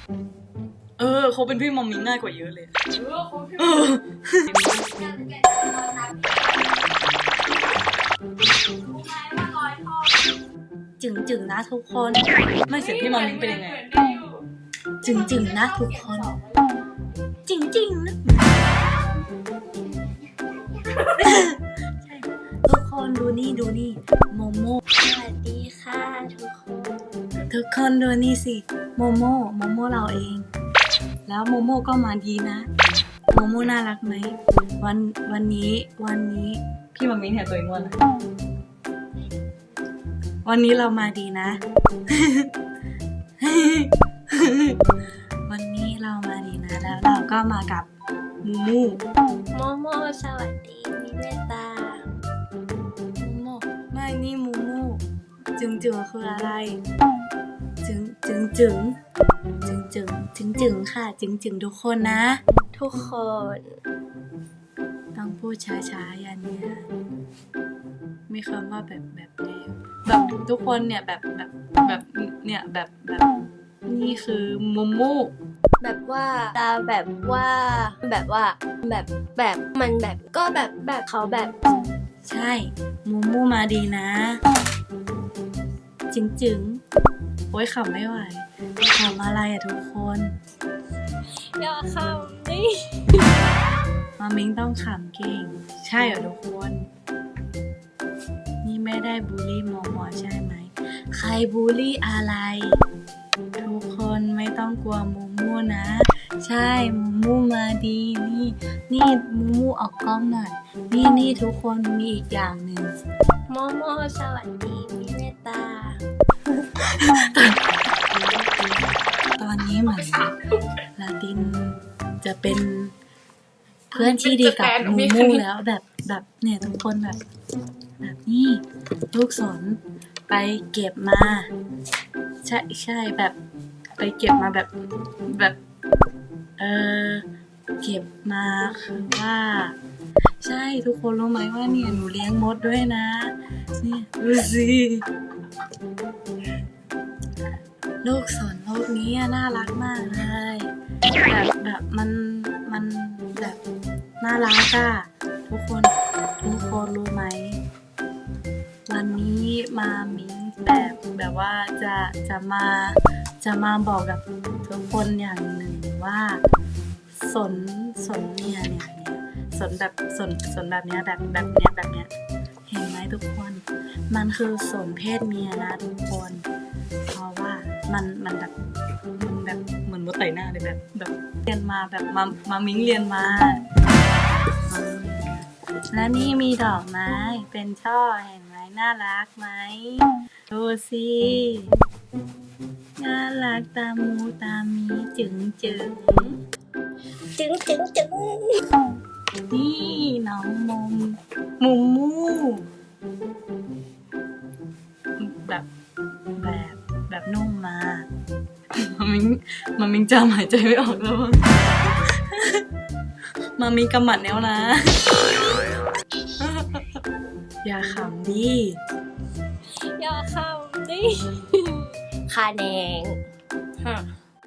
เขาเป็นพี่มอมมิ้งง่ายกว่าเยอะเลยเขาพี่จึงนะทุกคนไม่เสียงพี่มอมมิ้งเป็นยังไงจึงนะทุกคนจริงนะใช่ทุกคนดูนี่โมโม่สวัสดีค่ะทุกคนดูนี่สิโมโม่เราเองแล้วโมโม่ก็มาดีนะโมโม่น่ารักไหมวันนี้พี่มังมิ้งเห็นตัวเองว่าอะไรวันนี้เรามาดีนะ วันนี้เรามาดีนะแล้วเราก็มากับมูโมสวัสดีมีเมตตาโมไม่นี่มูจึงคืออะไรจึงค่ะจึงทุกคนนะทุกคนต้องพูดช้าๆอย่างเนี้ยมีคำว่าแบบนี้แบบทุกคนเนี่ยแบบเนี่ยแบบนี่คือมูแบบว่าเราแบบมันแบบก็แบบเขาแบบใช่มูมาดีนะจึงโอ้ยขำไม่ไหวขำอะไรอะทุกคนอย่าขำดิมามิ้งต้องขำเก่งใช่เหรอทุกคนนี่ไม่ได้บูลลี่มอใช่ไหมใครบูลลี่อะไรทุกคนไม่ต้องกลัวมูนะใช่มูมาดีนี่มูออกกล้องหน่อยนี่ทุกคนมีอีกอย่างหนึ่งโมสวัสดีมีเมตตาตอนนี้เหมือนลาตินจะเป็นเพื่อนที่ดีกับมูแล้วแบบเนี่ยทุกคนแบบนี้ลูกศรไปเก็บมาใช่แบบไปเก็บมาแบบเก็บมาคือว่าใช่ทุกคนรู้ไหมว่าเนี่ยหนูเลี้ยงมดด้วยนะนี่ดูสิลูกศรโลกนี้น่ารักมากเลยแบบมันแบบน่ารักอะทุกคนรู้ไหมวันนี้มามิ้งแบบว่าจะมาบอกกับทุกคนอย่างหนึ่งว่าสนเนี่ยสนแบบสนแบบเนี้ยแบบเนี้ยเห็นไหมทุกคนมันคือสนเพศเมียนะทุกคนเพราะว่ามันแบบเหมือนมดไต่หน้าเลยแบบเรียนมาแบบมามิ้งเรียนมาและนี่มีดอกไม้เป็นช่อเห็นไหมน่ารักไหมดูสิน่ารักตามูตามีจึงนี่น้องมูแบบนุ่มมามามิงจำหายใจไม่ออกแล้วมามิงกำหมัดแล้วนะอย่าขำดิคาแนง